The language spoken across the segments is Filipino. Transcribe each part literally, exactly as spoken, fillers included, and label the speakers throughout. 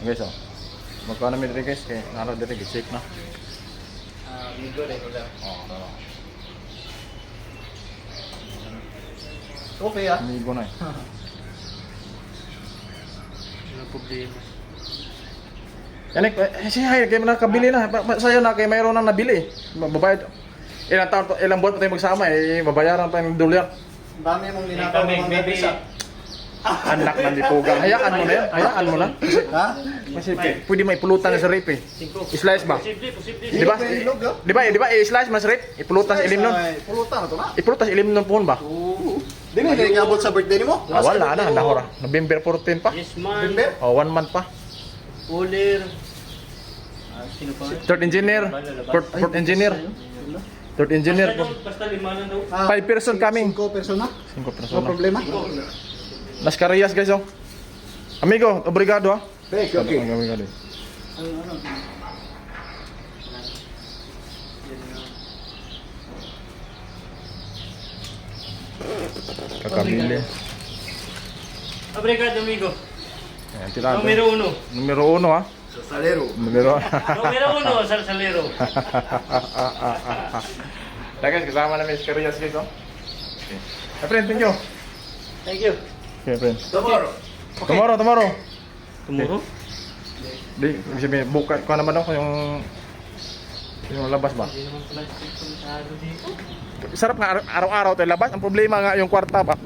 Speaker 1: Guys, oh. Magkano namin dito guys, kaya naro dito, check na.
Speaker 2: Ah, migo rin ko lang.
Speaker 1: Oh, ano.
Speaker 2: Okay ah.
Speaker 1: Amigo na eh.
Speaker 2: Walang problema.
Speaker 1: Yan eh, siya, kayo na nakabili na. Pa- pa- Sa'yo na, kayo mayroon na nabili. Babayad. Ilang taon, pa- ilang buwan pa tayo magsama eh, babayaran pa yung dolyar.
Speaker 2: Ang dami mong linakaw ng mga
Speaker 3: maybe-
Speaker 2: bisa.
Speaker 1: Anak ng lipugang. Hayaan mo na yan, hayaan mo na.
Speaker 2: Ha?
Speaker 1: Kasi p- pwede may pulutan na sa rip eh. I-slice ba?
Speaker 3: Posible, posible.
Speaker 1: Di ba?
Speaker 2: Ilog, ah.
Speaker 1: Di ba, di ba, i-slice mas rip? Ipulutan sa ilim nun.
Speaker 2: Ay, pulutan na to na.
Speaker 1: Ipulutan sa ilim nun po ba?
Speaker 2: Oo. Di ba hindi nag-abot sa birthday mo?
Speaker 1: Ah, wala na, nahora. November fourteen pa.
Speaker 3: Yes, man.
Speaker 2: November?
Speaker 1: Oh, one month pa.
Speaker 3: Ulir. Ah, sino pa?
Speaker 1: Third engineer. Fourth, fourth engineer. Third engineer po.
Speaker 3: Basta, basta lima lang daw.
Speaker 2: Ah,
Speaker 1: Five person coming.
Speaker 2: Cinco persona?
Speaker 1: Cinco
Speaker 2: No
Speaker 1: persona.
Speaker 2: problema.
Speaker 1: Las Carrillas guys oh. Amigo, obrigado ah.
Speaker 2: Okay, okay.
Speaker 1: Obrigado.
Speaker 2: Ano, ano?
Speaker 1: Kakabili.
Speaker 3: Obrigado, amigo.
Speaker 1: Ayan, tirado.
Speaker 3: Numero uno.
Speaker 1: Numero uno ah.
Speaker 2: Sa salero.
Speaker 1: Numero.
Speaker 3: Numero uno, salsalero.
Speaker 1: Kaya guys, kasama namin si Carrillas guys oh. Okay. My friend, thank you.
Speaker 3: Thank you.
Speaker 1: Okay, friend.
Speaker 2: Tomorrow.
Speaker 1: Tomorrow, tomorrow.
Speaker 3: Tomorrow?
Speaker 1: Di, ibig sabihin, buka ko naman ako yung yung labas ba?
Speaker 3: Hindi naman pala masyado dito.
Speaker 1: Sarap nga ar- araw-araw tayo labas. Ang problema nga yung kwarta ba?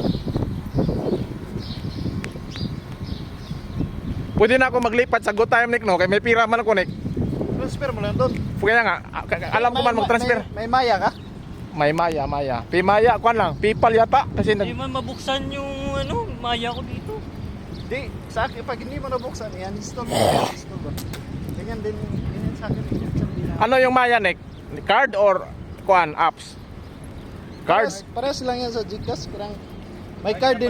Speaker 1: Pwede na ako maglipat sa good time Nick no? Kaya may pira man ako Nick.
Speaker 2: Transfer mo lang doon.
Speaker 1: Kaya nga, a- a- alam ko man mag-transfer.
Speaker 2: May, may maya ka?
Speaker 1: May maya, maya. Pi maya, kuan lang. Pipal yata. Kasi
Speaker 3: Hindi
Speaker 1: nag...
Speaker 3: man mabuksan yung ano, maya ko dito.
Speaker 2: Di, sa akin, pag hindi mo nabuksan, yan, install mo. Install mo. Ganyan din, ganyan sa akin. Ganyan sa akin.
Speaker 1: Ano yung maya Nick? Card or kuan apps? Cards?
Speaker 2: Parehas lang yan sa Gcash. Parang may card din.